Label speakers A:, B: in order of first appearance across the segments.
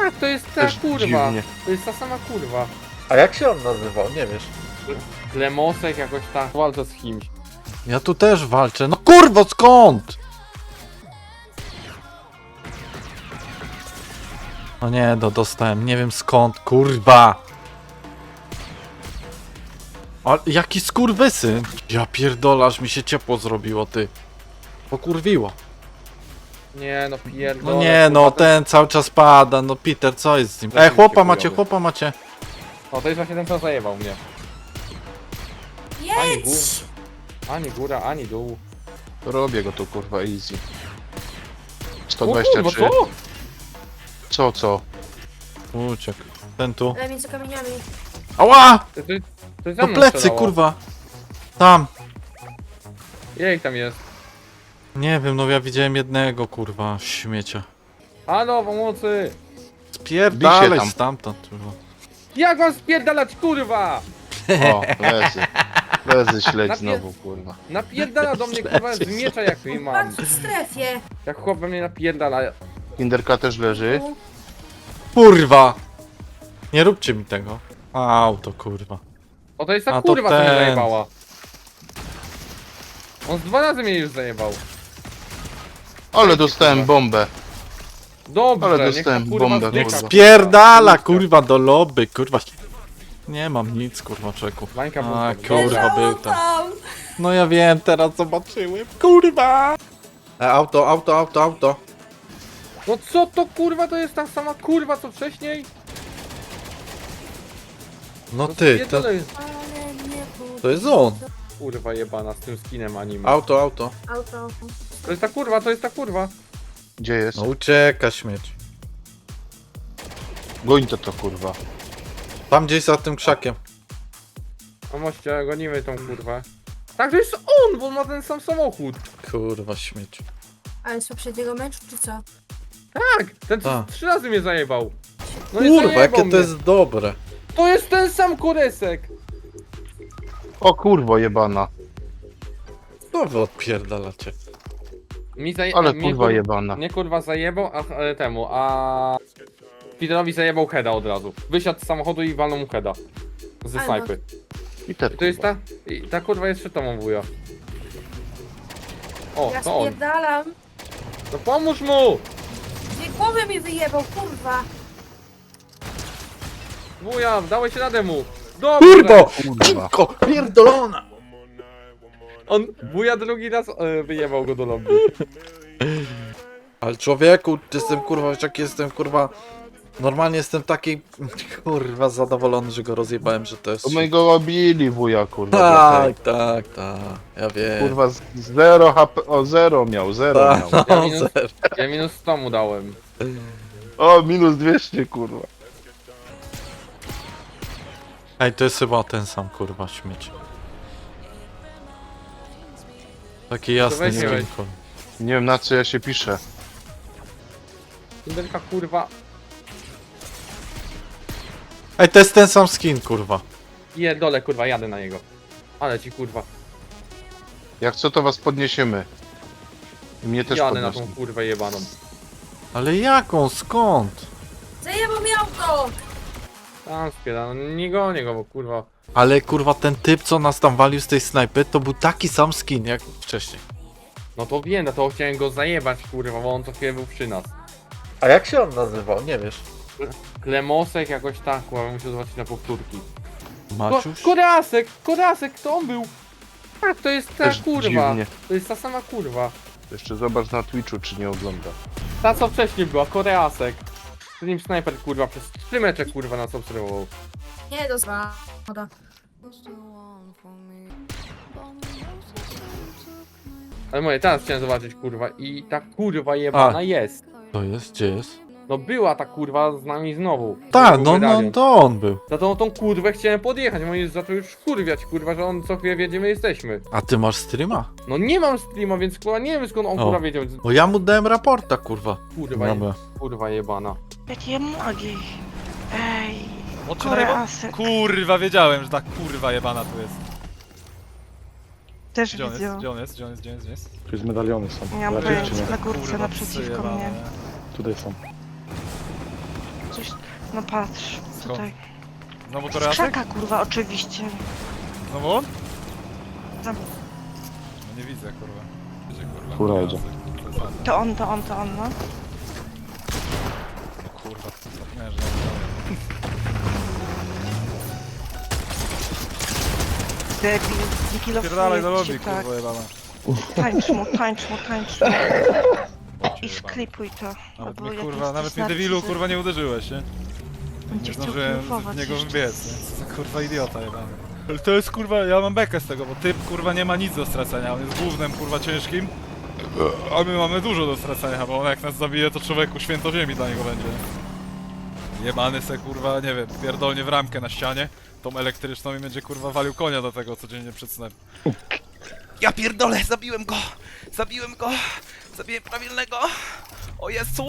A: Tak, to jest ta
B: Też
A: kurwa.
B: dziwnie.
A: To jest ta sama kurwa.
C: A jak się on nazywał? Nie wiesz.
A: Klemosek jakoś tak walczy z kimś.
D: Ja tu też walczę. No kurwa, skąd? No nie, dostałem. Nie wiem skąd, kurwa. Ale jaki skurwysyn. Ja pierdolasz, mi się ciepło zrobiło, ty. Pokurwiło.
A: Nie no pierdolę.
D: No nie, no
A: kurwa,
D: ten cały czas pada. No Peter, co jest z nim?
A: Zacznie
D: Chłopa
A: się
D: macie,
A: chujowy.
D: chłopa macie.
A: O, to jest właśnie ten, co zajebał mnie. Ani gór,
E: Jedź!
A: ani góra, ani dół.
B: Robię go tu kurwa easy.
A: O kurwa,
B: 123.
A: co?
B: Co?
D: Uciekł. Ten tu.
E: Ale między kamieniami.
D: Ała!
A: To jest za
D: No
A: mną
D: plecy,
A: strzelało.
D: kurwa. Tam.
A: Ile ich tam jest?
D: Nie wiem, no ja widziałem jednego, kurwa, śmiecia.
A: Halo, pomocy!
D: Spierdalaj
B: Bij się tam.
D: stamtąd, kurwa.
A: Jak mam spierdalać, kurwa?
B: O, lezy. Lezy śledź
A: Napie-
B: znowu kurwa.
A: Napierdala do mnie, kurwa, z miecza jak nie mam.
E: Patrz w strefie.
A: Jak chłop we mnie napierdala.
B: Kinderka też leży.
D: Kurwa! Nie róbcie mi tego. Auto, kurwa.
A: O, to jest ta
D: A to
A: kurwa, co mnie
D: ten.
A: zajebała. On z 2 razy mnie już zajebał.
B: Ale dostałem bombę.
A: Dobrze,
B: Ale
A: niech ta
B: dostałem
A: kurwa
B: bombę,
A: zdycha,
B: kurwa.
D: Spierdala, kurwa, do lobby, kurwa. Nie mam nic, kurwa, czeku.
A: Bańka
D: A,
A: była.
D: kurwa,
E: Leżało
D: był tam.
E: tam.
D: No ja wiem, teraz zobaczyłem, kurwa!
C: Auto.
A: No co to kurwa, to jest ta sama kurwa co wcześniej?
D: No
A: To
D: ty,
A: spierdolę jest.
E: Ale nie
D: to jest on.
A: Kurwa jebana z tym skinem anime.
C: Auto.
E: Auto.
A: To jest ta kurwa, to jest ta kurwa.
B: Gdzie jest?
D: No ucieka śmieć.
B: Goń to kurwa.
D: Tam gdzieś za tym krzakiem.
A: No moście, gonimy tą kurwę. Tak, to jest on, bo on ma ten sam samochód.
D: Kurwa, śmieć.
E: Ale z poprzedniego meczu, czy co?
A: Tak, ten co
D: Tak.
A: 3 razy mnie zajebał. No i
D: Kurwa,
A: zajebał
D: jakie
A: mnie.
D: to jest dobre.
A: To jest ten sam koresek.
B: O kurwo jebana.
D: Co wy odpierdalacie?
B: Ale kurwa jebana.
A: Mnie kurwa zajebał, a Peterowi zajebał heada od razu. Wysiadł z samochodu i walnął mu heada. Ze
E: Ale
A: snajpy.
B: I te
A: To jest ta? Ta kurwa jest przed tobą, wuja. O,
E: Ja
A: to on.
E: spierdalam.
A: No pomóż mu!
E: Dwie głowy mi wyjebał, kurwa.
A: Wuja, dałeś radę mu. Dobrze!
D: Kurwo!
B: kurwa.
D: Kurko, pierdolona!
A: On, wuja drugi raz wyjebał go do lobby.
D: Ale człowieku, jestem kurwa, wiesz jak jestem kurwa. Normalnie jestem taki kurwa zadowolony, że go rozjebałem, że to jest.
B: To my go obili wuja kurwa.
D: Tak, ja wiem.
B: Kurwa z 0 HP, o 0 miał, 0
D: Tak,
B: miał.
A: Ja
D: no,
A: minus-
D: zero.
A: Ja minus 100 mu dałem.
B: O, minus 200 kurwa.
D: Ej, to jest chyba ten sam kurwa śmieć. Taki jasny
A: weź nie
D: skin,
A: weź.
D: kurwa.
B: Nie wiem na co ja się piszę.
A: Kinderka kurwa.
D: Ej, to jest ten sam skin kurwa.
A: Dole kurwa, jadę na niego. Ale ci kurwa.
B: Jak co to was podniesiemy. I mnie też
A: Jadę na
B: podniosą.
A: tą kurwę jebaną.
D: Ale jaką, skąd?
E: Zajebał mi auto.
A: Tam spiera, no nie gonię go, bo kurwa.
D: Ale kurwa ten typ co nas tam walił z tej snajpy to był taki sam skin jak wcześniej.
A: No to wiem, no to chciałem go zajebać kurwa, bo on co chwilę był przy nas.
C: A jak się on nazywał? Nie wiesz.
A: Klemosek jakoś tak, kurwa, musiał zobaczyć na powtórki.
D: Maciuś?
A: Korasek, to on był. Tak, to jest ta
B: Też
A: kurwa.
B: dziwnie.
A: To jest ta sama kurwa.
B: Jeszcze zobacz na Twitchu czy nie ogląda.
A: Ta co wcześniej była, Koreasek. Z nim snajper kurwa przez 3 mecze kurwa nas obserwował.
E: Nie, do woda.
A: Ale moje, teraz chciałem zobaczyć kurwa i ta kurwa jebana
D: A.
A: jest.
D: To jest? Gdzie jest?
A: No była ta kurwa z nami znowu.
D: Tak,
A: Był
D: no
A: medalion.
D: to on był.
A: Za tą kurwę chciałem podjechać, bo jest zaczął już kurwiać kurwa, że on co chwilę wie gdzie my jesteśmy.
D: A ty masz streama?
A: No nie mam streama, więc kurwa nie wiem skąd on
D: O.
A: kurwa wiedział.
D: Bo ja mu dałem raporta kurwa.
A: Kurwa,
D: Dobra.
A: kurwa jebana.
F: Jakie nogi. Ej,
G: Oczy na niebo?
F: Koreasek.
G: Kurwa, wiedziałem, że ta kurwa jebana tu jest.
F: Też
G: Gdzie on jest?
F: widzę.
G: Gdzie on jest? Gdzie on jest? Gdzie on jest? Gdzie jest?
H: Tu jest medaliony są.
F: Nie mam
H: Lepiej czy
F: pojęcia,
H: nie?
F: na górce
G: Kurwa,
F: naprzeciwko
G: psy
F: mnie.
G: jebane.
H: Tutaj są.
F: pójść. No patrz, tutaj.
G: Znowu
F: Z
G: Koreasek?
F: krzaka, kurwa, oczywiście.
G: Znowu on?
F: Tam.
G: No nie widzę, kurwa. Gdzie, kurwa?
B: Fura jedzie.
G: Koreasek.
F: To on, no.
G: Kurwa, zapomniałem, że nie widziałem.
F: Debil,
G: Pierdalaj
F: kilofuję
G: do lobby,
F: cię, tak.
G: kurwa jebana.
F: Tańcz mu. I
G: Jebana.
F: sklipuj to.
G: Nawet
F: albo
G: mnie,
F: jak
G: kurwa,
F: jesteś
G: nawet mnie debilu,
F: narcyzem.
G: kurwa, nie uderzyłeś, nie?
F: Będzie
G: Nie
F: chciał
G: zdążyłem
F: triumfować
G: w niego
F: jeszcze.
G: wbiec, nie? Co za, kurwa, idiota jebany. Ale to jest, kurwa, ja mam bekę z tego, bo typ, kurwa, nie ma nic do stracenia, on jest głównym, kurwa, ciężkim. A my mamy dużo do stracenia, bo on jak nas zabije, to człowieku święto ziemi dla niego będzie. Jebany se, kurwa, nie wiem, pierdolnie w ramkę na ścianie, tą elektryczną i będzie, kurwa, walił konia do tego codziennie przed snem. Ja pierdolę, zabiłem go! Zabiłem prawilnego! O Jezu!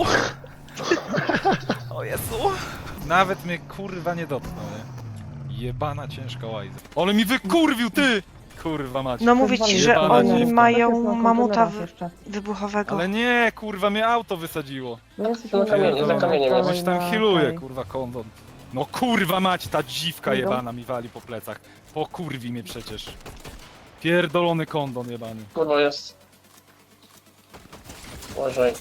G: O Jezu! Nawet mnie, kurwa, nie dotknął, nie? Jebana ciężka łajza. Ale mi wykurwił, ty! Kurwa mać.
F: No mówię ci, że
G: Jebana
F: oni
G: dziewka.
F: mają mamuta wybuchowego.
G: Ale nie, kurwa, mnie auto wysadziło.
H: No jesteśmy za kamieniem jest.
G: Coś tam healuje, kurwa, kondon. No kurwa mać, ta dziwka jebana mi wali po plecach. Pokurwi mnie przecież. Pierdolony kondon jebany.
H: Kurwa jest. Uważaj.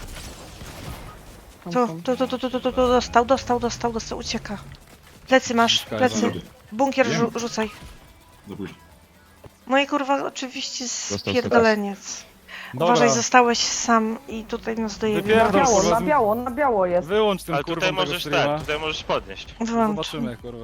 F: Tu, dostał, ucieka. Plecy masz, plecy. Bunkier rzucaj. No i kurwa, oczywiście spierdoleniec. Uważaj, zostałeś sam i tutaj nas dojebie.
G: Wypierdol, kurwa,
H: Na biało jest.
G: wyłącz ten
I: Ale
G: kurwa
I: tutaj
G: tego
I: możesz
G: streama.
I: tutaj możesz podnieść.
F: Wyłącz.
G: Zobaczymy, kurwa.